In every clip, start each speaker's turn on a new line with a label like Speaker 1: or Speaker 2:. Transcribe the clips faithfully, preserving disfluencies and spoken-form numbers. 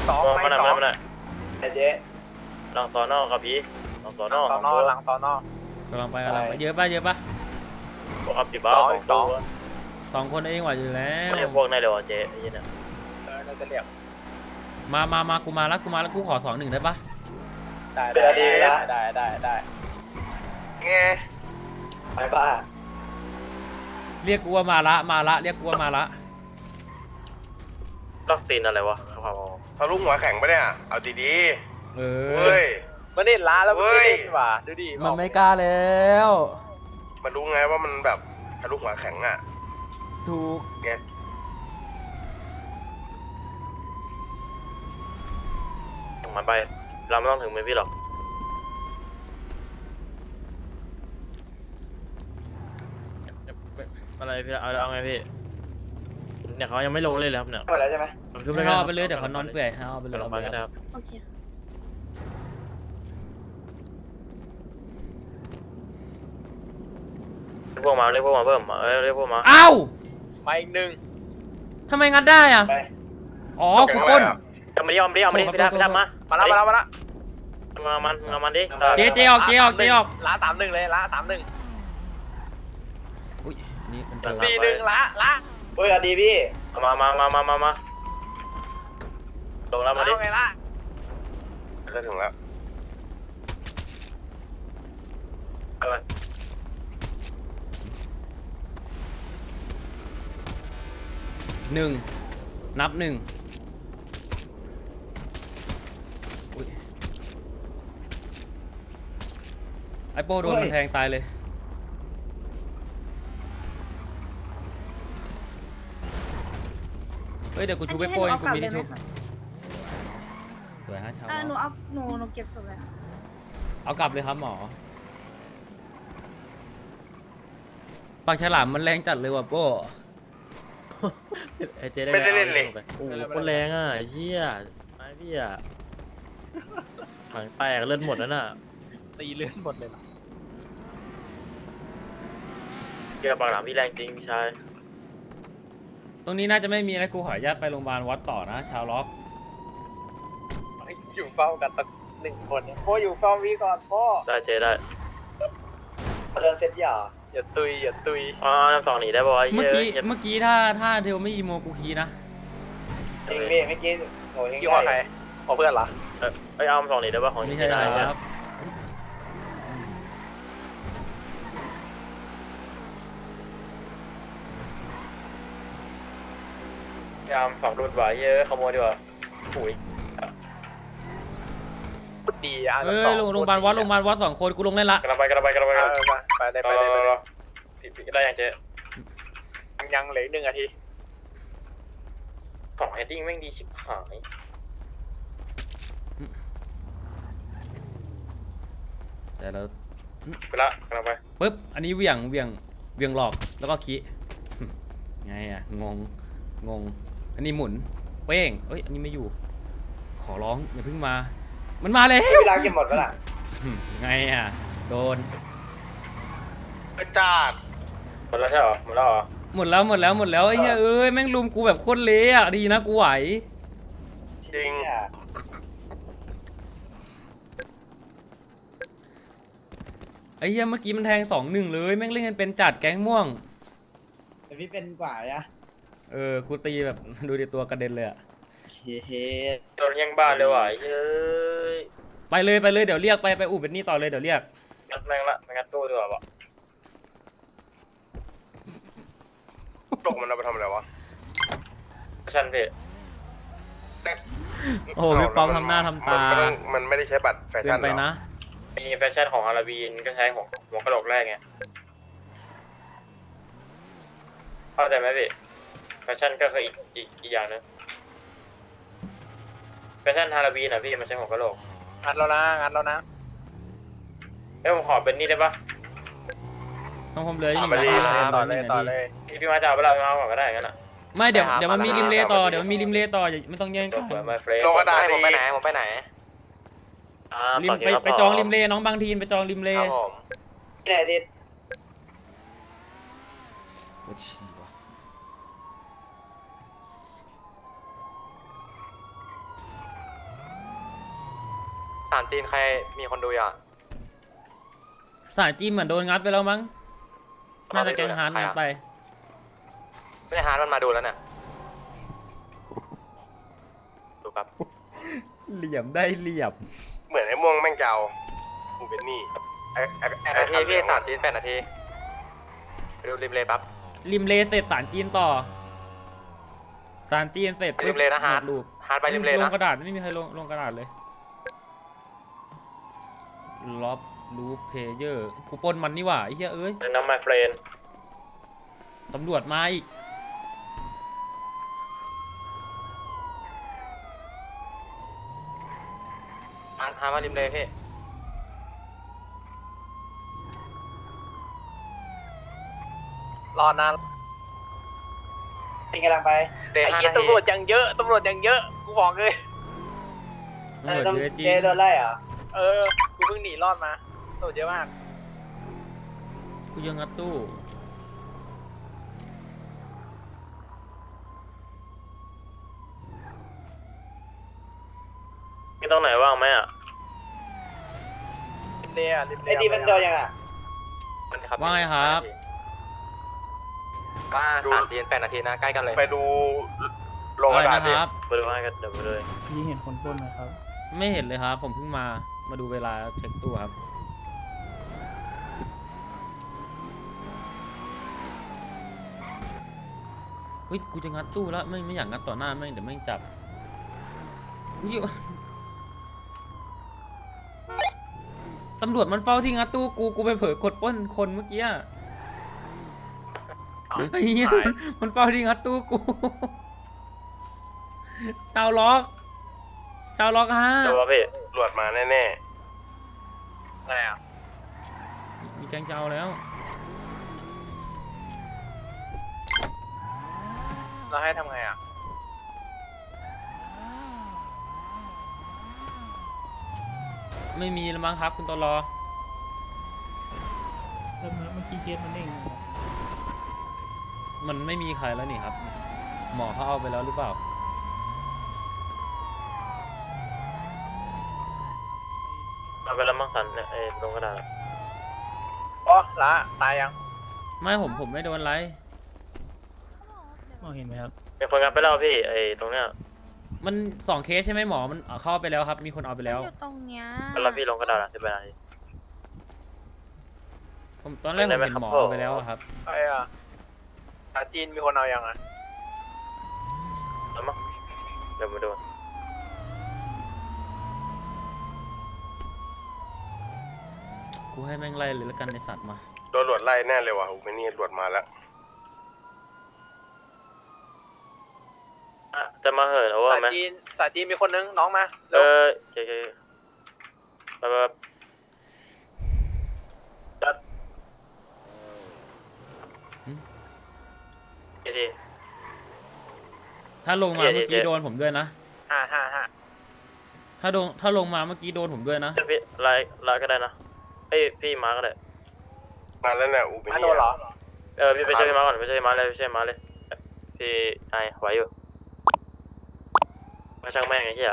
Speaker 1: สองไปสองไอ้เจ๊
Speaker 2: หลังสอนอกับพี่หลังสอนอ
Speaker 1: สอนอหลังสอนอก
Speaker 3: ำลังไปกำลังไปเยอะป่ะเยอะป่ะ
Speaker 2: บอกอัพสิบ้าสองตัว
Speaker 3: สองคนเองไหวอยู่แล้ว
Speaker 2: ไม่ใช่พวกนายเดี๋ยวเจ๊ไอ้เนี่ย
Speaker 1: เออเราจะเรียก
Speaker 3: มามามากูมาแล้วกูมาแล้วกูขอสองหนึ่งได้ป่ะ
Speaker 1: ได้ได้ได้ได้ได้ได้ไงไปบ้า
Speaker 3: เรียกกูว่ามาละมาละเรียกกูว่ามาละ
Speaker 2: ล็อกตีนอะไรวะครับ
Speaker 4: ทะลุหัวแข็งปะเนี่ยเอาดี
Speaker 3: เอ
Speaker 4: ๆ
Speaker 3: อ
Speaker 4: เฮ้ย
Speaker 1: มันเล่นล้าแล้วมันเล่นว่ะดูดิ
Speaker 3: มันไม่กล้าแล้ว
Speaker 4: มันรู้ไงว่ามันแบบทะลุหัวแข็งอ่ะ
Speaker 3: ถูก
Speaker 4: ไง
Speaker 2: ถึงมันไปเราไม่ต้องถึงมือพี่หรอกอะไรพี่เอาเอาไงพี่เนี่ยเขายังไม่ลงเลยเลยครับเนี่ย
Speaker 1: หมดแล้วใช่ไหม
Speaker 2: ขึ้น
Speaker 3: ให้เอาไปเลยเดี๋ยวเขานอนเปื่อยให้เอาไปเลย
Speaker 2: ลงมาก็ได้ครับ
Speaker 5: โอเค
Speaker 2: เรียกพวกมาเรียกพวกมาเพิ่มเออเรียกพวกมา
Speaker 3: เอ้า
Speaker 1: มาอีกหนึ่ง
Speaker 3: ทำไมงัดได้อ่ะ
Speaker 1: ไป
Speaker 3: อ๋อกูปล้น
Speaker 2: เอามาดิเอามาดิเอามาดิพี่ทับพี่ทับมา
Speaker 1: มาแล้วมาแล้วมาแล้ว
Speaker 2: มามันเอามันดิ
Speaker 3: เจ๊เจ๊ออกเจ๊ออกเจ๊ออก
Speaker 1: ล้าสามหนึ่งเลยล้าสามหนึ่ง
Speaker 3: อุ้ยนี่มันเจอ
Speaker 1: สี่หนึ่งล้าล้าเฮ้ยอดีพี่
Speaker 2: มามามามามามาลงแล้วมาดิ
Speaker 1: เอาไงล่ะ
Speaker 4: จะถึงแล้ว
Speaker 2: อะไร
Speaker 3: หนึ่งนับหนึ่งอุ๊ยไอโป้โดนมันแทงตายเลยเฮ้ยเดี๋ยวกูชูไปโป้เองกูมีที่ชุบสวยฮะชาว
Speaker 5: เออหนูเอาหนูหนูเก็บศพเลยค่ะ
Speaker 3: เอากลับเลยครับหมอปากฉลามมันแรงจัดเลยว่ะโป้
Speaker 2: ไอเจ๊ได้
Speaker 4: ไม่ได้เล่นเลย
Speaker 2: โอ้โหคนแรงอ่ะไอ้เชี่ยไอ้พี่อ่ะถังแตกเลือดหมดแล้วน่ะ
Speaker 1: ตีเลื่อนหมดเลย
Speaker 2: เกี่ยวปากหลามพี่แรงจริงพี่ชาย
Speaker 3: ตรงนี้น่าจะไม่มีอะไรกูขออนุญาตไปโรงพยาบาลวัดต่อนะชาวล็อก
Speaker 1: อยู่เฝ้ากันตั้งหนึ่งคนเนี่ยพ่ออยู่เฝ้าวีก่อนพ่อ
Speaker 2: ได้เจ๊ได้
Speaker 1: เดินเซ็ตอย่าอย่าตุยอย่าตุย
Speaker 2: อ๋อน้ำสองหนีได้ป่ะ
Speaker 3: เมื่อกี้เมื่อกี้ถ้าถ้าเทลไม่อีโมกูคีนะ
Speaker 1: จริงพี่เมื่อกี้โหยังอยู่กับใครขอเพื่อนเหรอ
Speaker 2: เออไอเอาสองหนีได้ป่ะของ
Speaker 3: ไม่
Speaker 2: นี่
Speaker 3: ใช่
Speaker 2: ได้
Speaker 3: ครับ
Speaker 2: ยามสองรุ่นไหวเยอะขโมยดีกว่าปุ๋ย
Speaker 1: ดีอ่ะ
Speaker 3: เอ้ยโรงโรงพยาบาลวัดโรงพยาบาลวัดสองคนกูลงเล่นละ
Speaker 2: กระไปกระไปกระไปกระไป
Speaker 1: ไปเลยไปเลยไปเลย
Speaker 2: ผิดผิดได้ยังเจ๊
Speaker 1: ยังเหลือหนึ่งนาที
Speaker 2: สองเฮดดิ้งแม่งดีชิบหาย
Speaker 3: แต่เรา
Speaker 2: ไปละกระไป
Speaker 3: ปึ๊บอันนี้เหวี่ยงเหวี่ยงเหวี่ยงหลอกแล้วก็คีไงอ่ะงงงงอันนี้หมุนเป้งเอ้ยอันนี้ไม่อยู่ ขอร้องอย่าเพิ่งมา มันมาแล้ว
Speaker 1: เวลาเก็บหมดแล้วล่ะ
Speaker 3: ไงอ่ะโดน
Speaker 4: กระจาด
Speaker 2: หมดแล้วใช่หรอหมดแล้วเหรอ
Speaker 3: หมดแล้วหมดแล้วหมดแล้วไอ้เหี้ยเอ้ยแม่งลุมกูแบบโคตรเละอ่ะดีนะกูไหว
Speaker 4: จริง
Speaker 3: ไอ้เหี้ยเมื่อกี้มันแทงสองหนึ่งเลยแม่งเล่นกันเป็นจัดแก๊งม่วง
Speaker 6: แต่พี่เป็นกว่าอะ
Speaker 3: เออกูตีแบบดูดิตัวกระเด็นเลยอ่ะ
Speaker 6: เฮ้
Speaker 2: โดนยังบ้านเลยว่ะเฮ้ย
Speaker 3: ไปเลยไปเลยเดี๋ยวเรียกไปไปอู่เป็นนี่ต่อเลยเดี๋ยวเรียก
Speaker 2: งัดแม่งละงัดตู้ดีกว่าป่ะ
Speaker 4: ตกมันเอาไปทำอะไรวะ
Speaker 2: ชันพี่
Speaker 3: โอ้โหพี่ป๊อปทำหน้าทำตา
Speaker 4: มันต้องมันไม่ได้ใช้บัตรแฟ
Speaker 3: เกิ
Speaker 4: ชั่
Speaker 3: น
Speaker 4: น
Speaker 3: ไป
Speaker 4: หรอ
Speaker 3: นะ
Speaker 2: มีแฟชั่นของอาราบีนก็ใช้หัวหัวกระโหลกแรกไงเข้าใจไหมพี่แฟชั่นก็คืออีกอีกอีกอย่างนึงแฟชั่นฮาราบีนอ่ะพี่มันใช้หัวกระโหลก
Speaker 1: งัดแล้วนะงัดแล้วนะ
Speaker 2: เอ้ยผมขอเป็นนี่ได้ปะ
Speaker 3: ต้องผมเหลืออีกหนึ่ง
Speaker 4: ไป
Speaker 3: นา
Speaker 4: ดิ
Speaker 3: ที
Speaker 1: ต่อเลยต่อเลย
Speaker 2: พี่พี่มาจะเอาไปเราเอาก่อนก็ได้งั้นอ่ะ
Speaker 3: ไม่เดี๋ยวเดี๋ยวมันมีริมเลต่อเดี๋ยวมันมีริมเลต่ออย่าไม่ต้องแย่ง
Speaker 2: จ
Speaker 3: กับ น
Speaker 2: เปิดมาเฟรช
Speaker 4: โลกระดาษ
Speaker 1: ผมไปไหนผมไปไหน
Speaker 3: ริมไปไปจองริมเลน้องบางทีนไปจองริมเล
Speaker 1: ครับผมที่ไหนดิ
Speaker 3: โอ้ชีวะ
Speaker 1: สามจีนใครมีคนดูอ่ะ
Speaker 3: สายจีนเหมือนโดนงัดไปแล้วมั้งน่าจะแกงฮาร์ดงัดไป
Speaker 1: ไม่ใช่ฮาร์ดมันมาดูแล้วเนี่ยดูครับ
Speaker 3: เหลี่ยมได้เหลี่ยม
Speaker 4: เหมือนไอ้ม่วงแม่งเจ้ากูเป็นหนี่ไอ้ไอ้
Speaker 1: แป
Speaker 4: ไอ้
Speaker 1: ดนาทีพี่
Speaker 4: ไอ้
Speaker 1: สามจีนแปดนาทีไปดูริมเลยปั๊บ
Speaker 3: ริมเลเสร็จสารจีนต่อสารจีนเสร็จ
Speaker 1: ไปริมเลยนะฮาร์ด
Speaker 3: หมดรูป
Speaker 1: ฮาร์ดไปริมเลย
Speaker 3: ล
Speaker 1: นะ
Speaker 3: งกระดาษไม่มีใครลงลงกระดาษเลยล็อบรูเพเยอร์กูปนมันนี่หว่าไอ้เหี้ยเอ้ย
Speaker 2: น้ำมาเฟรน
Speaker 3: ตำรวจมาอีก
Speaker 1: ฮาร์ดฮาร์ดมาริมเลยพี่
Speaker 6: รอนานเป็นกำลังไป
Speaker 1: เดย์
Speaker 6: ไอ้
Speaker 1: ห้า
Speaker 6: เหี้ย
Speaker 1: นาที
Speaker 6: ตำรวจยังเยอะตำรวจยังเยอะกูบอกเลย
Speaker 3: ตำรวจเยอะจริง
Speaker 6: เจโดนไล่เหรอเออกูเพิ่งหนีรอดมาตำรวจเยอะมาก
Speaker 3: กูยังงัดตู้
Speaker 2: มีตรงไหนว่างไหมอ่ะ
Speaker 6: ริมเลยอ่ะริมเลยไอ้ดีมันโดนยังอ่ะ
Speaker 3: ว่าไงครับ
Speaker 1: ว่าสามจีนแปดนาทีนะใกล้กันเลย
Speaker 4: ไปดูลง
Speaker 3: อะ
Speaker 4: ก
Speaker 3: ไร
Speaker 4: ระดาษ
Speaker 3: นะ
Speaker 4: ดิ
Speaker 3: ครับ
Speaker 2: ไปดูให้กันเดี๋ยวไปเลย
Speaker 5: ยี่เห็นคนปล้นไหมครับ
Speaker 3: ไม่เห็นเลยครับ ผมเพิ่งมา มาดูเวลาเช็คตู้ครับ เฮ้ย กูจะงัดตู้แล้ว ไม่ไม่อยากงัดต่อหน้าแม่งเดี๋ยวแม่งจับอุ๊ยตำรวจมันเฝ้าที่งัดตู้กู กูไปเผลอกดปล้นคนเมื่อกี้อะไอ้เหี้ยมันมันเฝ้าที่งัดตู้กูดาวล็อกดาวล็อกฮะ
Speaker 2: เดี๋ยวว่าพี่
Speaker 4: ตำรวจมาแน่
Speaker 1: อะไรอ่ะ
Speaker 3: มีแกงเจ้าแล้ว
Speaker 1: เราให้ทำไงอ่ะ
Speaker 3: ไม่มีแล้วมั้งครับคุณตลอ
Speaker 5: เริ่มเมื่อกี้เคสมันเองนะครับ
Speaker 3: มันไม่มีใครแล้วนี่ครับ หมอเขาเอาไปแล้วหรือเปล่า
Speaker 2: เอาไปแล้วมั้งสันเนี่ยไอ้ตรงกระดาษ
Speaker 1: อ๋อละตายยัง
Speaker 3: ไม่ผมผมไม่โดนไร
Speaker 5: มองเห็นไหมครับ
Speaker 2: มีคนงัดไปแล้วพี่ไอ้ตรงเนี้ย
Speaker 3: มันสองเคสใช่ไหมหมอ มันเข้าไปแล้วครับ มีคนเอาไปแล้ว
Speaker 5: อยู่ตรงเนี้ย
Speaker 2: แล้วพี่ลงกระดาษสิบแปดนาที
Speaker 3: ผมตอนแรกผม
Speaker 2: ไม่ได้
Speaker 3: เห็น
Speaker 2: ไหม
Speaker 3: หมอ
Speaker 2: ครับ
Speaker 3: เอาไปแล้วอะครับ
Speaker 1: ใช่อ่ะสามจีนมีคนเอายังอ่ะ
Speaker 2: แล้วมั้งเดี๋ยวมาดู
Speaker 3: กูให้แม่งไล่เลยแล้วกันในสัตว์มา
Speaker 4: ๆโดนตำรวจไล่แน่เลยว่ะกูเป็นหนี่ตำรวจมาแล้ว
Speaker 2: อ่ะจะมาเหินเอาว่า
Speaker 1: สาม
Speaker 2: ไหม
Speaker 1: จีนสามจีนมีคนนึงน้องมา
Speaker 2: เอ
Speaker 1: เร็ว
Speaker 2: อโอเคโอเคไปไปไปจัดเดี๋ยวดิ
Speaker 3: ถ้าลงมา
Speaker 2: เย้
Speaker 3: เมื่อกี้
Speaker 2: เย้
Speaker 3: โดนผมด้วยนะ
Speaker 1: ห้าห้าห้า
Speaker 3: ถ้าลงถ้าลงมาเมื่อกี้โดนผมด้วยนะ
Speaker 2: เดี๋ยวพี่ไลน์ไลน์ก็ได้นะเอ้ยพี่มาก็ได้
Speaker 4: มาแล้วเนี่ยอูเป็นห
Speaker 1: มา
Speaker 4: นี่
Speaker 1: โดนเหรอ
Speaker 2: เออพี่ไปช่วยพี่มาก่อนไปช่วยพี่มาเลยไปช่วยพี่มาเลยพี่ไอไหวอยู่มาช่างแม่งไอ้เหี้ย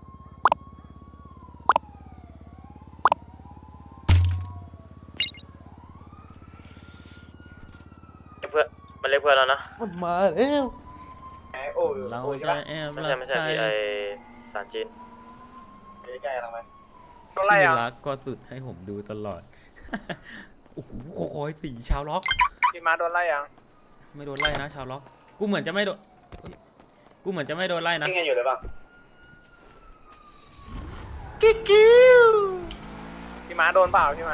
Speaker 2: เพื่อนมันเรียกเพื่อนแล้วนะ
Speaker 3: มันมาแล้ว
Speaker 1: ไอ้โอ้ย
Speaker 3: เรา
Speaker 1: โอ้ย
Speaker 3: จะแอบ
Speaker 2: ไม่
Speaker 3: รั
Speaker 2: ใช่
Speaker 3: ก
Speaker 2: ไม่
Speaker 3: ใค
Speaker 2: ใช่
Speaker 3: ร
Speaker 2: พี่ไอสารจีน
Speaker 1: ใกล้ๆทำไมต้องไล่
Speaker 3: ที่
Speaker 1: อ่ะ
Speaker 3: รักก็สุดให้ผมดูตลอด โอ้โหโคอยสีชาวล็อก
Speaker 1: พี่มาโดนไล่ยัง
Speaker 3: ไม่โดนไล่นะชาวล็อก กูเหมือนจะไม่โดนเฮ้ยกูเหมือนจะไม่โดนไล่นะ
Speaker 1: ยิงกันอยู่เลยป่ะพี่มาโดนเปล่าพี่มา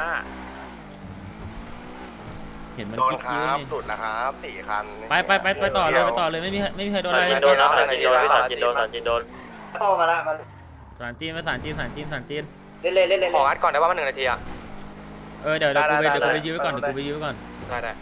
Speaker 3: เห็นมัน
Speaker 4: โดน
Speaker 3: กิ๊ก
Speaker 4: ค
Speaker 3: กิ้ว
Speaker 4: รับ
Speaker 3: นี่
Speaker 4: สุดแล้วครับสี่คัน
Speaker 3: ไปไปไปไปต่อเลยไปต่อเลยไม่มีไม่มีใครโดน
Speaker 2: สา
Speaker 3: อะไร
Speaker 2: รจีนโดนนะสารจีนโดนพี่สารจีนโดนสารจีนโดน
Speaker 1: โตมาละมา
Speaker 3: สารจีนไปสารจีนสารจีนสารจีน
Speaker 1: เล่นเล่นเล่นขออัดก่อนได้ว่ามันหนึ่งนาทีอ่ะ
Speaker 3: เออเดี๋ยวเดี๋ยวกูไป
Speaker 1: ได้ได้
Speaker 3: เดี๋ยวกูไป
Speaker 1: ได้
Speaker 3: ยื้อไว้ก่อน
Speaker 1: ได้
Speaker 3: เดี๋ยวกูไปยื้อไว้ก่อน
Speaker 1: ได้ได้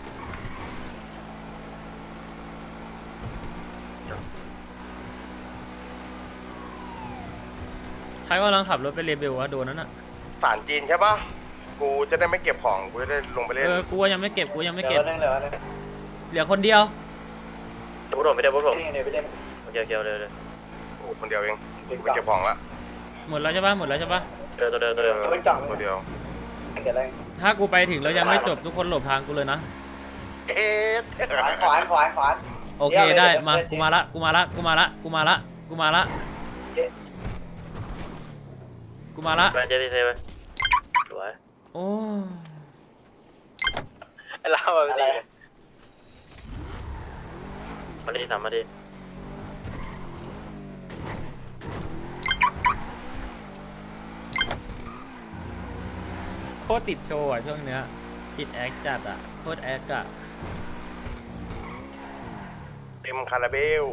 Speaker 3: ใครกำลังขับรถไปเรเบลวะโดนนั่นน่ะ
Speaker 4: สารจีนใช่ปะกูจะได้ไม่เก็บของกูจะได้ลงไปเล่น
Speaker 3: เออกูว่ายังไม่เก็บกูยังไม่
Speaker 1: เก็
Speaker 3: เก็
Speaker 1: บบ เล่นเหลือเล่น
Speaker 3: เหลือคนเดียว
Speaker 2: เดี๋ยวพูดผมไม่ได้พูดผม
Speaker 1: เดี๋ยวไปเล่น
Speaker 2: โอเคโอเคเอาเลยเลย
Speaker 4: กูคนเดียวเองกูไปเก็บของละ
Speaker 3: หมดแล้วใช่ปะหมดแล้วใช่ปะ
Speaker 1: ห
Speaker 2: เดินตัวเดินตัวเดิน
Speaker 1: ไม่จ่อง
Speaker 4: ตัวเดียว
Speaker 1: เกิดอะไร
Speaker 3: ถ้ากูไปถึงแล้วยังไม่จบทุกคนหลบทางกูเลยนะ
Speaker 4: เอ๊ะ
Speaker 1: ขวานขวานขวานขวาน
Speaker 3: โอเคได้มากูมาละกูมาละกูมาละกูมาละกูมาละกูมาละ
Speaker 2: แบนเจดีเซไปสวย
Speaker 3: โอ้
Speaker 6: เราแบบนี้
Speaker 2: มาดีสามมาดี
Speaker 3: โคตรติดโชว์อ่ะช่วงเนี้ยติดแอคจัดอ่ะโคตรแอคอ่ะ
Speaker 4: เต็มคาราเบล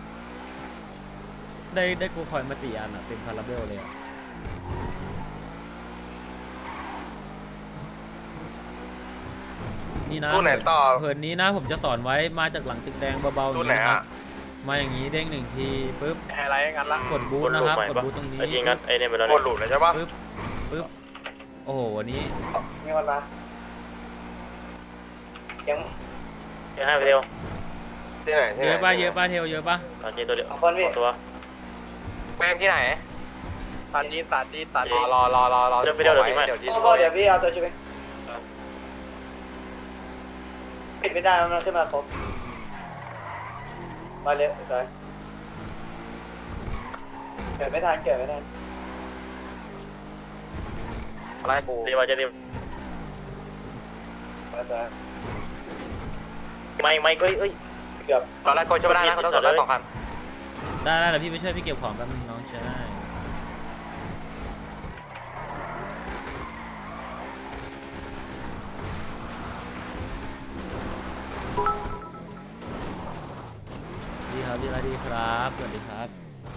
Speaker 3: ได้ได้กูคอยมาสี่อันอ่ะเต็มคาราเบลเลยอ่ะนี่นะ
Speaker 4: ตู้ไหนต่อ
Speaker 3: เหินนี้นะผมจะสอนไว้มาจากหลังตึกแดงเบาๆอ
Speaker 4: ตู้
Speaker 3: ย่าง
Speaker 4: ไหน
Speaker 3: นี้นะครับ
Speaker 4: อ่ะ
Speaker 3: มาอย่างนี้เด้งหนึ่งทีปุ๊บ
Speaker 6: ไฮไลท์งั้นละ
Speaker 3: กดบูทนะครับกดบูทตรงนี้
Speaker 2: ไอ้ทีงัดไอ้เนี่ยไปแล้ว
Speaker 4: หมดหลุดเลยใช่ปะ
Speaker 3: ปึ๊บปึ๊บโอ้โหวันนี้
Speaker 1: มีคนมายัง
Speaker 2: ยังให้ไปเร็ว
Speaker 4: ที่ไหนที่
Speaker 3: เย
Speaker 4: ไหน
Speaker 3: อะป่ะเยอะป่ะเทลเยอะป่ะ
Speaker 2: ตอนนี้ตัวเดียว
Speaker 1: สองคนพี่
Speaker 2: ตัว
Speaker 6: แม่งที่ไหนตัดจีตัดจีตัดรอรอรอรอรอเดี๋ยวเดี๋ยวเดี๋ยว
Speaker 1: พ่อเดี๋ยวพี่เอาตัวช่วยปิดไม่ได้มันขึ้นมาครบมาเร็วสวยเกิดไม่ทันเกิดไม่ทัน
Speaker 6: ไล่กู
Speaker 2: ดีมาเจดี
Speaker 1: มาสวย
Speaker 2: ไม่ไม่เอ้ยเอ้ย
Speaker 1: เกือบ
Speaker 6: ตอนแรกกูจะไม่ได้นะกูต้องกดได้สองคัน
Speaker 3: ได้ได้เดี๋ยวพี่ไปช่วยพี่เก็บของแป๊บนึงน้องชายดีครับดีครับดีครับสวัสดีครับ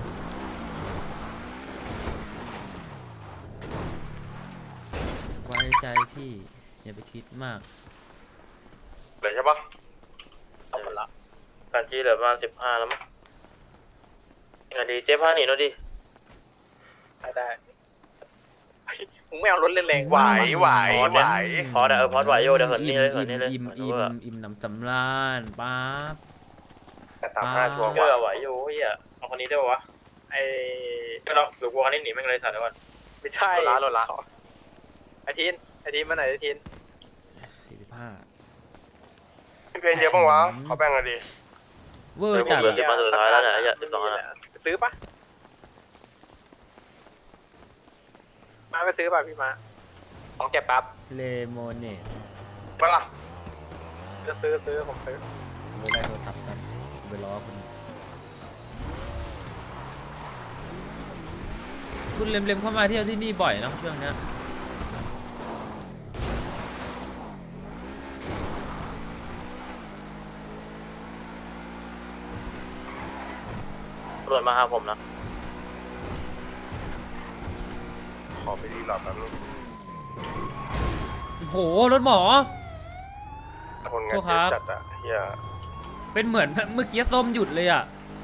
Speaker 3: ไว้ใจพี่อย่าไปคิดมาก
Speaker 4: เลยใช่ปะ
Speaker 6: เอาหมดละ
Speaker 2: การจีเหลือประมาณสิบห้าแล้วมั้งงานดีเจ๊ผ้าหนีหน่อยดิ
Speaker 6: ได้ได้มึงไม่เอารถเล่นแรง
Speaker 4: ไหวไหวไหว
Speaker 2: พอเดี๋ยวเออพอไหวโยเดี๋ยวเหินนี่เลยเหินนี่เลย
Speaker 3: อิ่ม
Speaker 2: เหิน
Speaker 3: อิ่
Speaker 2: เวอ
Speaker 3: ม
Speaker 2: ร์
Speaker 3: อิ่มน้ำสำราญป๊าบ
Speaker 4: แต่ตามห้าชัวร์ก
Speaker 2: เกลื
Speaker 4: ว่า
Speaker 2: อไหวโยเฮียเอาคนนี้ได้ปะวะ
Speaker 6: ไอ้
Speaker 2: ก็เราหรือกูคันนี้หนีแม่งเลยสัตว์เดี๋ยวก่อน
Speaker 6: ไม่ใช่รถละรถละไอทีนไอทีนมาไหนไอทีน
Speaker 3: สี่สิบห้า
Speaker 4: พี่เป็นเยอะปะวะเขาแบ่งกันดิ
Speaker 3: เวอร์จัด
Speaker 2: เหลือสิบมาสุดท้ายแล้วเนี่ยไอ้เหี้ยสิบสองอันอะ
Speaker 6: ซื้อปะมาไปซื้อป่ะพี่มาของเก็บปั๊บ
Speaker 3: เลโมเนต
Speaker 4: ปะล่ะ
Speaker 6: ซื้อซื้อซื้อผมซื้อ
Speaker 3: โมได้โทรศัพท์กันไปล้อคุณคุณเล็มๆเข้ามาเที่ยวที่นี่บ่อยเนอะช่วงเนี้ย
Speaker 2: ตำรวจมาหาผมนะ
Speaker 4: ขอไปดีหลอดแป๊บนึง
Speaker 3: โอ้โหรถหมอ
Speaker 4: คนงาน
Speaker 3: โทษครับ
Speaker 4: จัดอ่ะเฮีย
Speaker 3: เป็นเหมือนเมื่อกี้ส้มหยุดเลยอ่ะ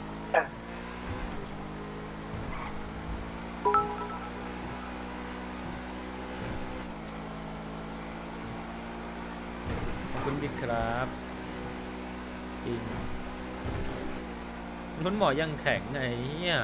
Speaker 3: ขอบคุณบิ๊กครับจริงรถหมอยังแข็งไงเนี่ย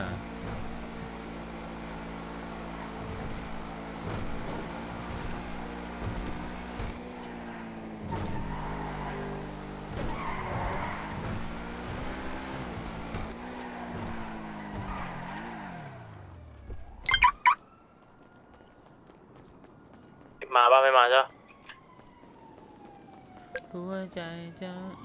Speaker 2: มาบ้างไม่มาใช่
Speaker 3: หัวใจจะ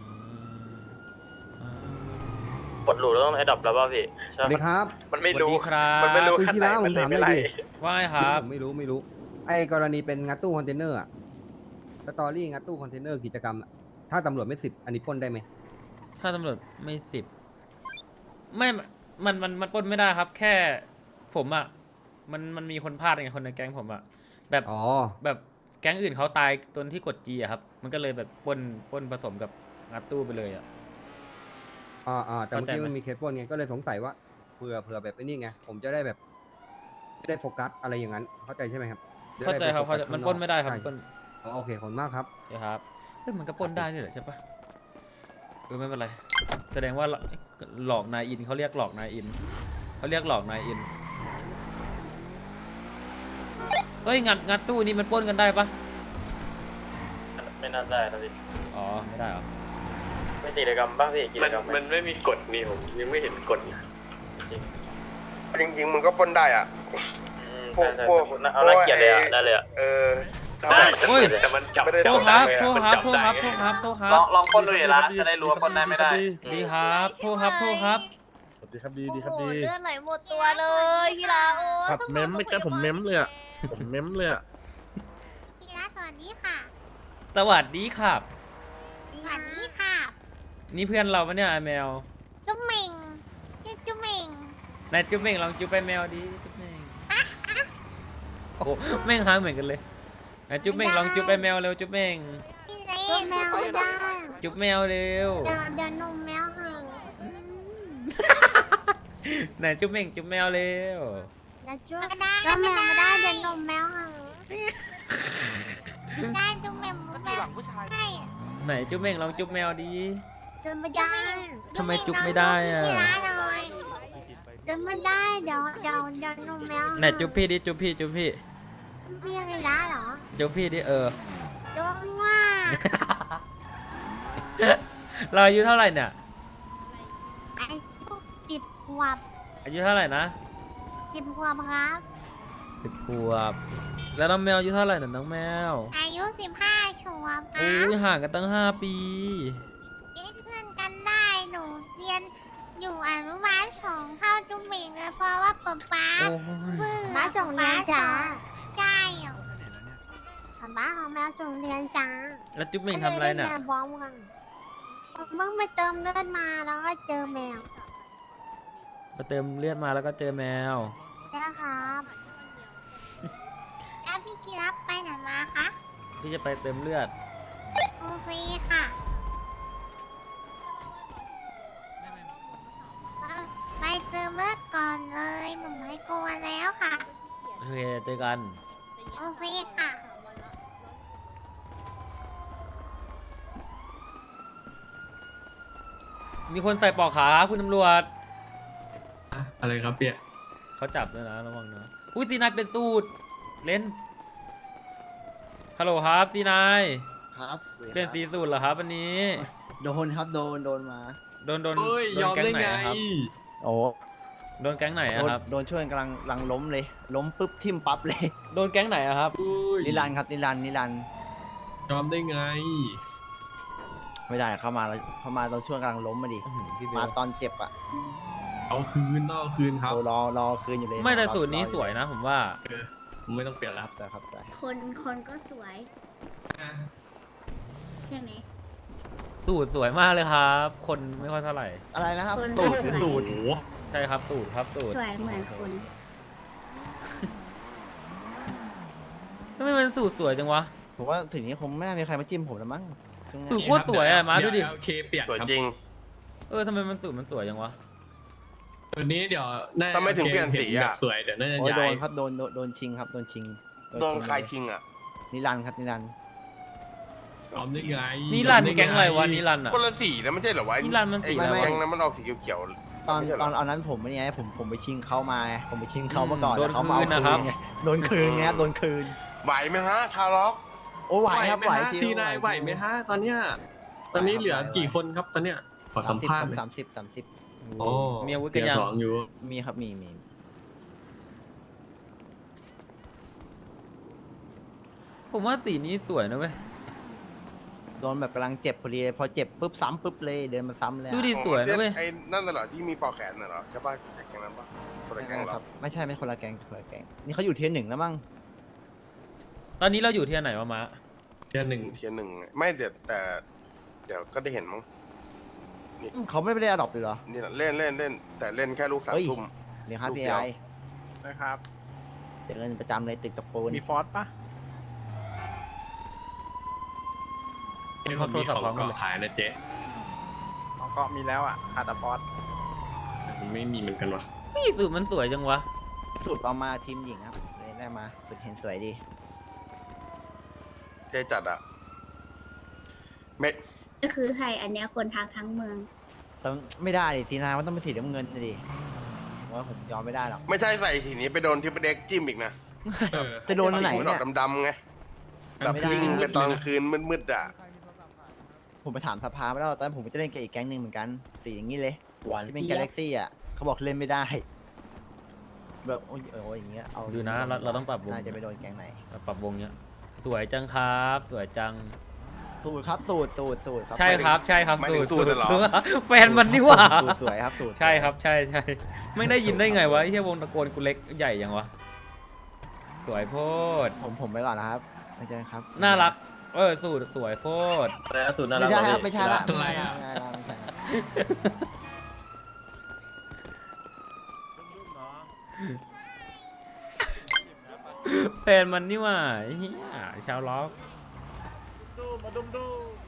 Speaker 2: กดหลุดแล้วต้องไอ้ดับแล้วป่ะพี่
Speaker 7: ส
Speaker 2: ใช่
Speaker 7: วัสดีครับ
Speaker 6: มันไม่
Speaker 3: สวัส
Speaker 6: รู้
Speaker 3: ดีครับ
Speaker 6: มันไม่รู้
Speaker 7: คุณ
Speaker 6: ขั้น
Speaker 7: พี่
Speaker 6: ไหน
Speaker 7: ละผ
Speaker 6: มัน
Speaker 7: ม
Speaker 6: เลย
Speaker 7: ถาม
Speaker 6: ไม่
Speaker 7: หน่
Speaker 6: ไล่
Speaker 7: อยดิ
Speaker 3: ว่าไงครับ
Speaker 7: ผมไม่รู้ไม่รู้ ไอ้กรณีเป็นงัดตู้คอนเทนเนอร์อะสตอรี่งัดตู้คอนเทนเนอร์กิจกรรมอะถ้าตำรวจไม่สิบอันนี้ปล้นได้ไหม
Speaker 3: ถ้าตำรวจไม่สิบไม่มันมันมันปล้นไม่ได้ครับ แค่ผมอ่ะมันมันมีคนพลาดไงคนในแก๊งผมอ่ะแบบ
Speaker 7: อ๋อ
Speaker 3: แบบแก๊งอื่นเขาตายตอนที่กดจีอะครับ มันก็เลยแบบปล้นปล้นผสมกับงัดตู้ไปเลยอ่ะ
Speaker 7: อ่าอ่าแต่เมื่อกี้
Speaker 3: เข้าใจไหม
Speaker 7: มันมีเคสปล้นไงก็เลยสงสัยว่าเผื่อเผื่อแบบไอ้นี่ไงผมจะได้แบบไม่ได้โฟกัสอะไรอย่างนั้น เข้าใจใช่ไหมครับะ
Speaker 3: เข้า
Speaker 7: ได้
Speaker 3: ใจ
Speaker 7: ไป
Speaker 3: ครับ
Speaker 7: โฟ
Speaker 3: เข้า
Speaker 7: กั
Speaker 3: ใจ
Speaker 7: ส
Speaker 3: มัน
Speaker 7: ข้าง
Speaker 3: ปล้นไม่ได้ครับ
Speaker 7: ใช่
Speaker 3: ปล้น
Speaker 7: อ๋อโอเคขอบคุณมากครับ
Speaker 3: เดี๋ยวครับเฮ้ยมันก็ปล้นได้นี่แหละใช่ปะเออไม่เป็นไรแสดงว่าหลอกนายอินเขาเรียกหลอกนายอินเขาเรียกหลอกนายอินเฮ้ยงัดงัดตู้นี่มันปล้นกันได้ปะ
Speaker 2: ไม่น่าได้นะพี่
Speaker 3: อ๋อไม่ได้เหรอ
Speaker 2: ไม่กิจกรรมบ้างพี่กิจ
Speaker 6: มัน
Speaker 2: กรรม
Speaker 6: มันไม่มีกฎนี่ผมยังไม่เห็นกฎนะ
Speaker 4: จริงๆมึงก็ปล้นได้อ่ะ พวกพวก
Speaker 2: เอาน่าเกลียดเลยอ่ะได้เลยอ่ะ
Speaker 4: เออ
Speaker 3: เฮ้ย
Speaker 6: แต่มันจับ
Speaker 3: โทษครับโทษครับโทษครับโทษครับโทษครั
Speaker 6: ลอบ งลองปล้นดูดิละจะได้รู้ว่าปล้นได้ไม่ได้
Speaker 3: ดีครับโทษครับโทษครับ
Speaker 8: สวัสดีครับดีดีครับ
Speaker 9: โอ้
Speaker 8: ดี
Speaker 9: โหเลือดไหลหมดตัวเลยพี่ลาโอ้
Speaker 8: ขัดเม้มไม่ใช่ผมเม้มเลยอะผมเม้มเลยอะ
Speaker 9: พี่ลาสวัสดีค่ะ
Speaker 3: สวัสดีครับ
Speaker 9: สวัสดีค่ะ
Speaker 3: นี่เพื่อนเราปะเนี่ยไอ้แมว
Speaker 9: จุ๊บเหม่งชื่อจุ๊บเหม่ง
Speaker 3: นายจุ๊บเม่งลองจุ๊บไปแมวดิจุ๊บเม่งโอ้โหแม่งหางเหมือนกันเลยนายจุ๊บเม่งลองจุ๊บไปแมวเร็วจุ๊บเม่ง
Speaker 9: พี่เล่แมวไม่ได้
Speaker 3: จุ๊บแมวเร็ว
Speaker 9: เดี๋ยวเดี๋ยวนมแมวเหอะ
Speaker 3: นายจุ๊บเม่งจุ๊บแมวเร็ว
Speaker 9: เดี๋ยวจุ๊บไม่ได้ไม่ได้ไม่ได้เดี๋ยวนมแมวเหอะไม่ได้จุ๊บแมวแมวใช่
Speaker 3: ไหนจุ๊บเม่งลองจุ๊บแมวดี
Speaker 9: จุ๊บไม่ได้
Speaker 3: ทำไมจุ๊บไม่ได้อะ
Speaker 9: พี่ลาเลยจุ๊บไม่ได้เดี๋ยวเดี๋ยวเดี๋ยวนมแมว
Speaker 3: ไหนจุ๊บพี่ดิจุ๊บพี่จุ๊บพี่
Speaker 9: พี่พี่ลาเหรอ
Speaker 3: จุ๊บพี่ดิเออ
Speaker 9: จุ๊บว่า
Speaker 3: เราอายุเท่าไหร่เนี่ย
Speaker 9: ไอ้พวกสิบขวบ
Speaker 3: อายุเท่าไหร่นะ
Speaker 9: สิบขวบครับ
Speaker 3: สิบขวบแล้วน้องแมวอายุเท่าไหร่น่ะน้องแมว
Speaker 9: อายุสิบห้าขวบค
Speaker 3: โอ้
Speaker 9: รับ
Speaker 3: ยห่างกันตั้งห้าปี
Speaker 9: เป็นเพื่อนกันได้หนูเรียนอยู่อนุบาลสองเข้าจุ๊บเหม่งเลยเพราะว่าป๊าป๊า
Speaker 3: โอ้ย
Speaker 9: เบื่อป๊าส่งเรียนจ้าใช่เหรอป๊าป๊าของแมวส่งเรียนจ้า
Speaker 3: แล้วจุ๊บเม่งทำอะไรน่ะ
Speaker 9: ก็เลยด้เรียนพร้อมกันผมเพิ่งไปเติมเลือดมาแล้วก็เจอแมว
Speaker 3: มาเติมเลือดมาแล้วก็เจอแมว
Speaker 9: นะครับแล้วพี่กีรับไปไหนมาคะ
Speaker 3: พี่จะไปเติมเลือด
Speaker 9: โอซีค่ะไปเติมเลือดก่อนเลยผมไม่กลัวแล้วค่ะ
Speaker 3: โอเคเจอกัน
Speaker 9: โอซีค่ะ
Speaker 3: มีคนใส่ปลอกขาครับคุณตำรวจ
Speaker 6: อะไรครับเปีย
Speaker 3: เขาจับด้วยนะระวังนะอุ้ยซีนายเป็นสูตรเล่นฮัลโหลครับซีนาย
Speaker 10: ครับ
Speaker 3: เปลี่ยนสีสูตรเหรอครับวันนี้
Speaker 10: โดนครับโดนโดนมา
Speaker 3: โดนโดน
Speaker 6: เฮ้ย
Speaker 3: โด
Speaker 6: ย
Speaker 3: น
Speaker 6: อม
Speaker 3: แก๊ง
Speaker 6: ได้
Speaker 3: ไหน
Speaker 6: ไง
Speaker 3: อะครับ
Speaker 10: โอ้
Speaker 3: โดนแก๊งไหน
Speaker 10: โด
Speaker 3: อะ
Speaker 10: น
Speaker 3: ครับ
Speaker 10: โดนช่วยกำลังกำลังล้มเลย ล้มปุ๊บทิ่มปั๊บเลย
Speaker 3: โดนแก๊งไหนอะครับ
Speaker 10: นิรันดร์ครับนิรันดร์นิรันดร์
Speaker 6: ยอมได้ไง
Speaker 10: ไม่ได้เข้ามาแล้วเข้ามาตอนช่วงกำลังล้มมาดิ
Speaker 3: อื้อหือพี่เบ
Speaker 10: มา
Speaker 3: ล
Speaker 10: ตอนเจ็บอ่ะ
Speaker 6: เอาคืนต้องเอาคืนครับ
Speaker 10: โอ้รอรอคืนอยู่เลย
Speaker 3: ไม่แต่
Speaker 10: รอ
Speaker 3: สูตรนี้
Speaker 10: ออ
Speaker 3: สวยนะผมว่า
Speaker 6: ไม่ต้องเปลี่ยนแล้ว
Speaker 10: แต่ครับแต่
Speaker 9: คนคนก็สวย ใช่ไหม
Speaker 3: สูตรสวยมากเลยครับ คนไม่ค่อยเท่าไหร่
Speaker 10: อะไรนะครับ
Speaker 9: คน
Speaker 10: สูตรคือสูตร
Speaker 3: ใช่ครับสูตรครับสูตร
Speaker 9: สวยเหมือนคน
Speaker 3: ทำไมมันสูตรสวยจังวะ
Speaker 10: ผมว่าถึงนี้คงไม่น่ามีใครมาจิ้มผมแล้วมั้งช่วงนี้
Speaker 3: สูตรโคตรสวยอะมาดูดิ
Speaker 6: โอเคเปลี่ยน
Speaker 4: สวย
Speaker 6: ครับ
Speaker 4: จริง
Speaker 3: เออทำไมมันสูตรมันสวยจังวะ
Speaker 6: ตัวนี้เดี๋ยวน่า
Speaker 4: ทำไมถึงเปลี่ยนสีอะ
Speaker 6: แบบสวยเดี๋ยวน่าจะ
Speaker 10: โอ้ยโด
Speaker 6: ย้าน ย
Speaker 10: ครับโดนโดนโดนชิงครับโดนชิง
Speaker 4: โดน
Speaker 10: ชิง
Speaker 4: ใครทิ้งอ่ะ
Speaker 10: นิรันดร์ครับนิรันดร์
Speaker 6: ยอมได้ไง
Speaker 3: นิรันดร์
Speaker 6: ยอมด้
Speaker 3: แก๊งอะไรวะนิรันดร์อะ
Speaker 4: คนละสีนะไม่ใช่เหรอวะ
Speaker 3: นิรันดร์มันสี
Speaker 4: ไอ้
Speaker 3: อะไรวะ
Speaker 4: แก๊งนั้นมันออกสีเขียวๆ
Speaker 10: ตอน
Speaker 4: ไม่ใช่เหร
Speaker 10: ตอนเอานั้นผมไม่ไงผมผมไปชิงเขามาไงผมไปชิงเขา
Speaker 3: อืม
Speaker 10: มาก่อน
Speaker 3: โดน
Speaker 10: แล้วเขามาเอา
Speaker 3: คืนนะครับ
Speaker 10: ไงโดนคืนไงครับโดนคืน
Speaker 4: ไหวไหมฮะ ชาล็อก
Speaker 10: โอ้ไหวครับไหว
Speaker 6: ม
Speaker 10: ชิว
Speaker 6: ทีนายไหวไหมฮะตอนเนี้ยตอนนี้เหลือ
Speaker 10: ไหว
Speaker 6: กี่คนครับตอนเนี้ยขอสัมภาษณ์หน่อย
Speaker 10: สามสิบสามสิบ
Speaker 6: โอ้
Speaker 3: มีอาวุธกั
Speaker 6: เกี
Speaker 3: น
Speaker 6: ย
Speaker 3: ยัง
Speaker 6: ร์สองอยู่
Speaker 10: มีครับมีมี
Speaker 3: ผมว่าสีนี้สวยนะเว้ย
Speaker 10: โดนแบบกำลังเจ็บพอดีพอเจ็บปุ๊บซ้ำปุ๊บเลยเดินมาซ้ำเลยอะ
Speaker 3: ดูดิสวยนะเว้ย
Speaker 4: ไอ้นั่นน่ะเหรอที่มีปอกแขนน่ะเหรอใช่ป่ะแก๊งนั้นป่ะคนละแก๊งเหร
Speaker 10: ค
Speaker 4: อ
Speaker 10: รับไม่ใช่ไม่คนละแกงคนละแกงนี่เขาอยู่เทียร์หนึ่งแล้วมั้ง
Speaker 3: ตอนนี้เราอยู่ที่ไหนวะมะ
Speaker 6: เกียร์หนึ่ง
Speaker 4: เทียร์หนึ่งไม่เดี๋ยวแต่เดี๋ยวก็ได้เห็นมั้ง
Speaker 10: อืมเขาไม่ได้อดอปเลยเหรอ
Speaker 4: นี่แหละเล่นเล่นเล่นแต่เล่นแค่ลูกสาม
Speaker 10: เฮ้ย
Speaker 4: ทุ่ม
Speaker 10: เดี๋ยวครับ
Speaker 4: ลูก
Speaker 10: พี่
Speaker 4: เดียว
Speaker 10: ไอ
Speaker 5: นะครับ
Speaker 10: เจอกันประจำเลยตึกตะปูน
Speaker 5: มีฟอสปะ
Speaker 6: นี่ผมมีของเกาะขายนะเจ๊
Speaker 5: อ๋อก็มีแล้วอ่ะขาดแต่ฟอส
Speaker 6: มันไม่มีเหมือนกันวะ
Speaker 3: นี่สูตรมันสวยจังวะ
Speaker 10: สุดเอามาทีมหญิงครับเลยได้มาสุดเห็นสวยดี
Speaker 4: เทจัดอ่ะไม่
Speaker 9: ก็คือใครอันเนี้ยคนทางทั้งเมือง
Speaker 10: ต้องไม่ได้ดิสีนามันต้องเป็นสีน้ำเงินดิผมว่าผมยอมไม่ได้หรอก
Speaker 4: ไม่ใช่ใส่ทีนี้ไปโดนทิปเด็กจิ้มอีกนะ
Speaker 10: จะโดนอันไหน
Speaker 4: มันอ
Speaker 10: เนี่
Speaker 4: อย กดำๆไงแบบ
Speaker 10: ไม่ได้
Speaker 4: ยิงเป็นตอนกลางคืนมืดๆอ่ะ
Speaker 10: ผมไปถามสภาไม่ได้ตอนนั้นผมจะเล่นกับอีกแก๊งหนึ่งเหมือนกันสีอย่างนี้เลย
Speaker 2: หวาน
Speaker 10: ที่เป็น
Speaker 2: เจี๊
Speaker 10: กาย แล็
Speaker 2: บ
Speaker 10: กซี่อ่ะเขาบอกเล่นไม่ได้ แบบโอ้ยเออโอ้ยอย่างเงี้ยเอา
Speaker 2: ดูนะเราเราต้องปรับวง
Speaker 10: น่าจะไปโดนแก๊งไหน
Speaker 2: ปรับวงเนี้ยสวยจังครับสวยจัง
Speaker 10: สูตรครับสูตรสูตรสูตรครับ
Speaker 2: ใช่ครับใช่ครับ
Speaker 4: ไม่ถึงสูตรเหรอ
Speaker 2: แฟนมันนี่หว่า
Speaker 10: สูตรสวยครับสูตร
Speaker 2: ใช่ครับใช่ใช่ไม่ได้ยินได้ไงวะไอ้เหี้ยวงตะโกนกูเล็กใหญ่ยังวะสวยโพด
Speaker 10: ผมผมไปก่อนนะครับไม่ใช่ครับ
Speaker 2: น่ารักเออสูตรสวยโพด
Speaker 10: ไม่ใช่ครับไม่ใช่ละไม่ใช่ละไม่ใช่ละไม่ใช่ละ
Speaker 2: แฟนมันนี่หว่าไอ้เหี้ยชาวล็อก
Speaker 8: ดูมาดุมดู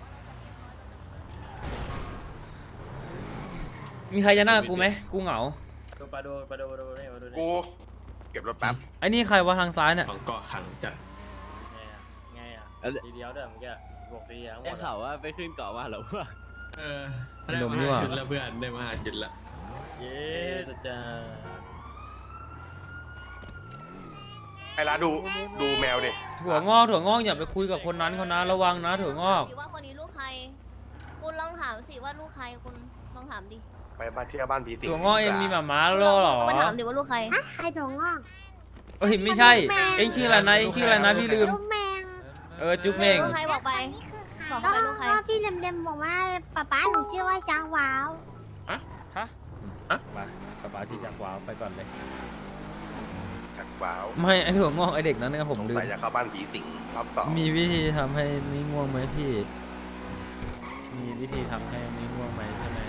Speaker 2: มีใครจะหน้ากูไหมกูเหงา
Speaker 6: ดูปลาดูปลาดูปลาดูนี่ปลาดูนี่
Speaker 4: กูเก็บรถแป๊บ
Speaker 2: ไอ้นี่ใครวะทางซ้ายเนี่ย
Speaker 8: ของเกาะขังจัด
Speaker 6: ไงอ่ะไงอ่ะทีเดียวเด้อเมื่อกี้บอกทีทั้งหม
Speaker 10: ได้
Speaker 6: ด
Speaker 10: ข่าวว่าไปขึ้นเกาะว่าเหรอวะ
Speaker 8: เออ
Speaker 2: ไอ้หนุ่มนี่หว่า
Speaker 8: จุดละเพื่อนได้มาหาจุดละ
Speaker 6: เย้สุดจ้า
Speaker 4: ไอ้ร้านดูดูแมวดิ
Speaker 2: ถั่วงอกถั่วงอกอย่าไปคุยกับคนนั้นเขานะระวังนะถั่วงอก
Speaker 9: ว่าคนนี้ลูกใคร คุณลองถามสิว่าลูกใครคุณลองถามดิ
Speaker 4: ไปบ้านเที่ยวบ้านผีสิง
Speaker 2: ถั่วงอกเองมีหมาม้าโล่เหรอ
Speaker 9: ก็มาถามดิว่าลูกใครใครถั่วงอก
Speaker 2: เอ้ยไม่ใช่ เอ็งชื่ออะไรนะเอ็งชื่ออะไรนะพี่ลืม
Speaker 9: ลูกแมง
Speaker 2: เออจุ๊บเม่ง
Speaker 9: ลูกใครบอกไปบอกไปลูกใครก็พี่เดมๆบอกว่าป๊าป๊าหนูชื่อว่าช้างว้าว
Speaker 2: ฮะไปป๊าป๊าชี้จักรวาลไปก่อนเลย
Speaker 4: จักว้าว
Speaker 2: ไม่ไอถั่วงอกไอเด็กนั้นเนี่ยผม
Speaker 4: สง
Speaker 2: ลืม
Speaker 4: สัยจะเข้าบ้านผีสิงรอบสอง
Speaker 2: มีวิธีทำให้ไม่ง่วงไหมพี่ มีวิธีทำให้ไม่ง่วงไหมใช่ไหม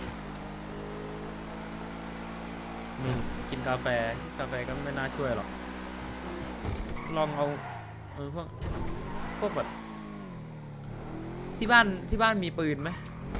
Speaker 2: มีกินกาแฟกาแฟก็ไม่น่าช่วยหรอก ลองเอาเออพวกพวกแบบที่บ้านที่บ้านมีปืนไหม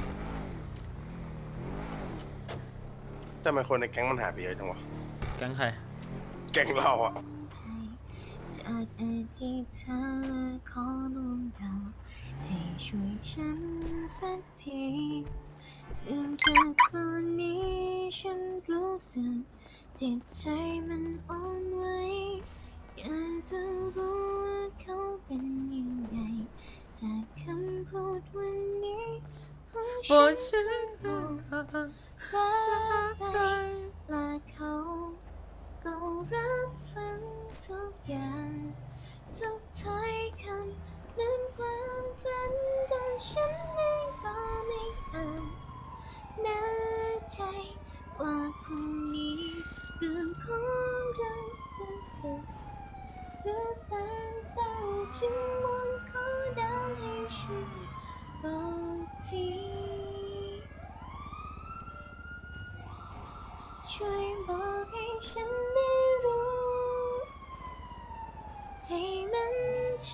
Speaker 4: ทำไมคนในแก๊งมันหายไปเยอะจังวะ
Speaker 2: แก๊งใคร
Speaker 4: แก๊งเราอ่ะ
Speaker 9: จากอดีตเธอขอดวงดาวให้ช่วยฉันสักทีถึงจากตอนนี้ฉันรู้สึกจิตใจมันอ่อนไหวอยากจะรู้ว่าเขาเป็นยังไงจากคำพูดวันนี้เพราะฉันรักไปและเขาก็รับฟังทุกอย่างทุกถ้อยคำนั้นความฝันแต่ฉันเองก็ไม่อาจแน่ใจว่าพรุ่งนี้เรื่องของเราจะสุขหรือแสนเศร้าจึงมองขอดาวให้ช่วยบอกทีช่วยบอกให้ฉันได้รู้ให้มั่นใจ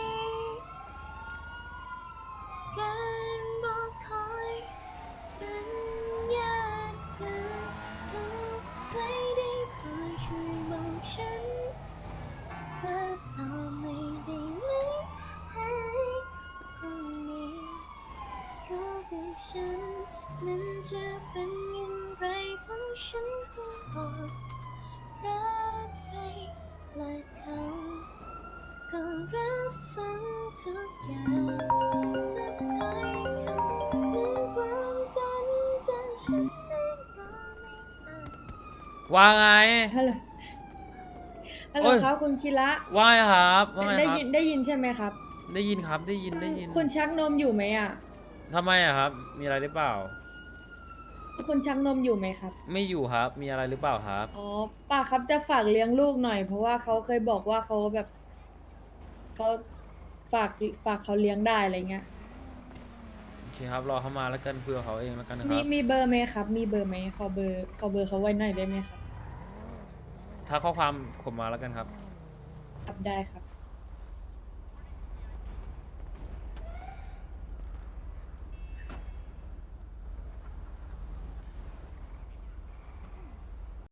Speaker 9: การรอคอยมันยากเกินทำไว้ได้โปรดช่วยบอกฉันว่าต่อไม่ได้ไหมให้พรุ่งนี้เขากับฉันนั้นจะเป็นอย่างไรเพราะฉันเพิ่งบอกรักไปและเขาก็รับฟังทุกอย่างทุกถ้อยคำเหมือนความฝันแต่ฉันเองก็ไม่อาจ
Speaker 2: ว่าไง
Speaker 11: ฮัลโหล ฮัลโหล
Speaker 2: โอ้ย
Speaker 11: ครับคุณคิระ
Speaker 2: ว่าไงครับว่าไง
Speaker 11: ได้
Speaker 2: ครับ
Speaker 11: ยินได้ยินใช่ไหมครับ
Speaker 2: ได้ยินครับได้ยินได้ยิน
Speaker 11: คุณชักนมอยู่ไหมอ่ะ
Speaker 2: ทำไมอะครับ มีอะไรหรือเปล่า
Speaker 11: คุณชักนมอยู่ไหมครับ
Speaker 2: ไม่อยู่ครับ มีอะไรหรือเปล่าครับ
Speaker 11: อ๋อป้าครับจะฝากเลี้ยงลูกหน่อย เพราะว่าเขาเคยบอกว่าเขาแบบเขาฝากฝากเขาเลี้ยงได้อะไรเงี้ย
Speaker 2: โอเคครับ รอเขามาแล้วกันเพื่อเขาเองแล้วกันนะค
Speaker 11: มี
Speaker 2: รับ
Speaker 11: มีเบอร์ไหมครับ มีเบอร์ไหมขอเบอร์ขอเบอร์เขาไว้หน่อยได้ไหมครับ
Speaker 2: ถ้าข้อความผมมาแล้วกันครับ
Speaker 11: ครับได้ครับ